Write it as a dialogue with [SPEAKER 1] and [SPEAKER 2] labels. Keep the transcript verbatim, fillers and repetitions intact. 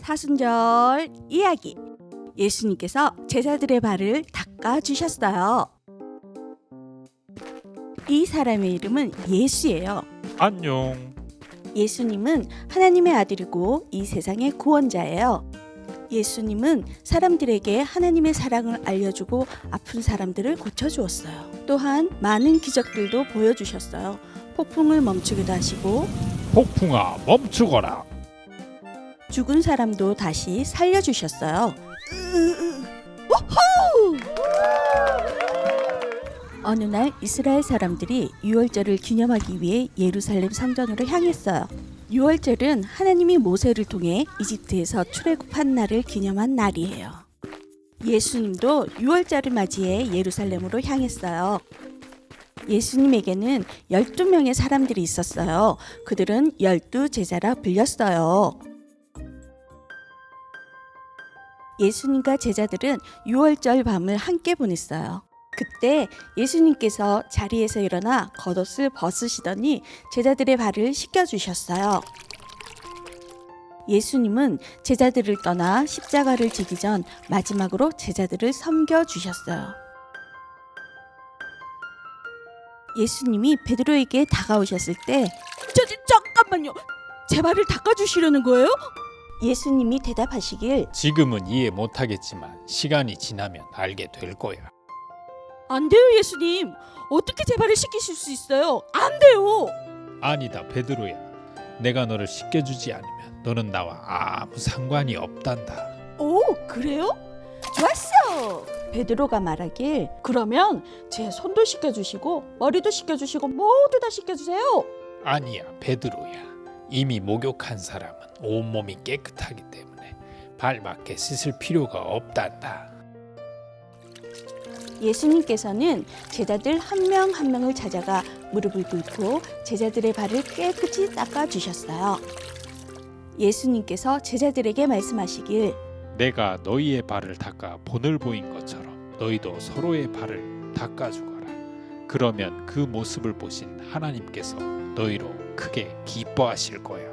[SPEAKER 1] 사순절 이야기. 예수님께서 제자들의 발을 닦아주셨어요. 이 사람의 이름은 예수예요.
[SPEAKER 2] 안녕.
[SPEAKER 1] 예수님은 하나님의 아들이고 이 세상의 구원자예요. 예수님은 사람들에게 하나님의 사랑을 알려주고 아픈 사람들을 고쳐주었어요. 또한 많은 기적들도 보여주셨어요. 폭풍을 멈추기도 하시고
[SPEAKER 2] 폭풍아 멈추거라.
[SPEAKER 1] 죽은 사람도 다시 살려주셨어요. 어느 날 이스라엘 사람들이 유월절을 기념하기 위해 예루살렘 성전으로 향했어요. 유월절은 하나님이 모세를 통해 이집트에서 출애굽한 날을 기념한 날이에요. 예수님도 유월절을 맞이해 예루살렘으로 향했어요. 예수님에게는 열두 명의 사람들이 있었어요. 그들은 열두 제자라 불렸어요. 예수님과 제자들은 유월절 밤을 함께 보냈어요. 그때 예수님께서 자리에서 일어나 겉옷을 벗으시더니 제자들의 발을 씻겨주셨어요. 예수님은 제자들을 떠나 십자가를 지기 전 마지막으로 제자들을 섬겨주셨어요. 예수님이 베드로에게 다가오셨을 때 저, 저, 잠깐만요. 제 발을 닦아주시려는 거예요? 예수님이 대답하시길
[SPEAKER 2] 지금은 이해 못하겠지만 시간이 지나면 알게 될 거야.
[SPEAKER 1] 안 돼요, 예수님. 어떻게 제 발을 씻기실 수 있어요? 안 돼요.
[SPEAKER 2] 아니다 베드로야. 내가 너를 씻겨주지 않으면 너는 나와 아무 상관이 없단다.
[SPEAKER 1] 오, 그래요? 좋았어. 베드로가 말하길 그러면 제 손도 씻겨주시고 머리도 씻겨주시고 모두 다 씻겨주세요.
[SPEAKER 2] 아니야 베드로야. 이미 목욕한 사람은 온몸이 깨끗하기 때문에 발밖에 씻을 필요가 없단다.
[SPEAKER 1] 예수님께서는 제자들 한 명 한 명을 찾아가 무릎을 꿇고 제자들의 발을 깨끗이 닦아주셨어요. 예수님께서 제자들에게 말씀하시길
[SPEAKER 2] 내가 너희의 발을 닦아 본을 보인 것처럼 너희도 서로의 발을 닦아주거라. 그러면 그 모습을 보신 하나님께서 너희로 크게 기뻐하실 거야.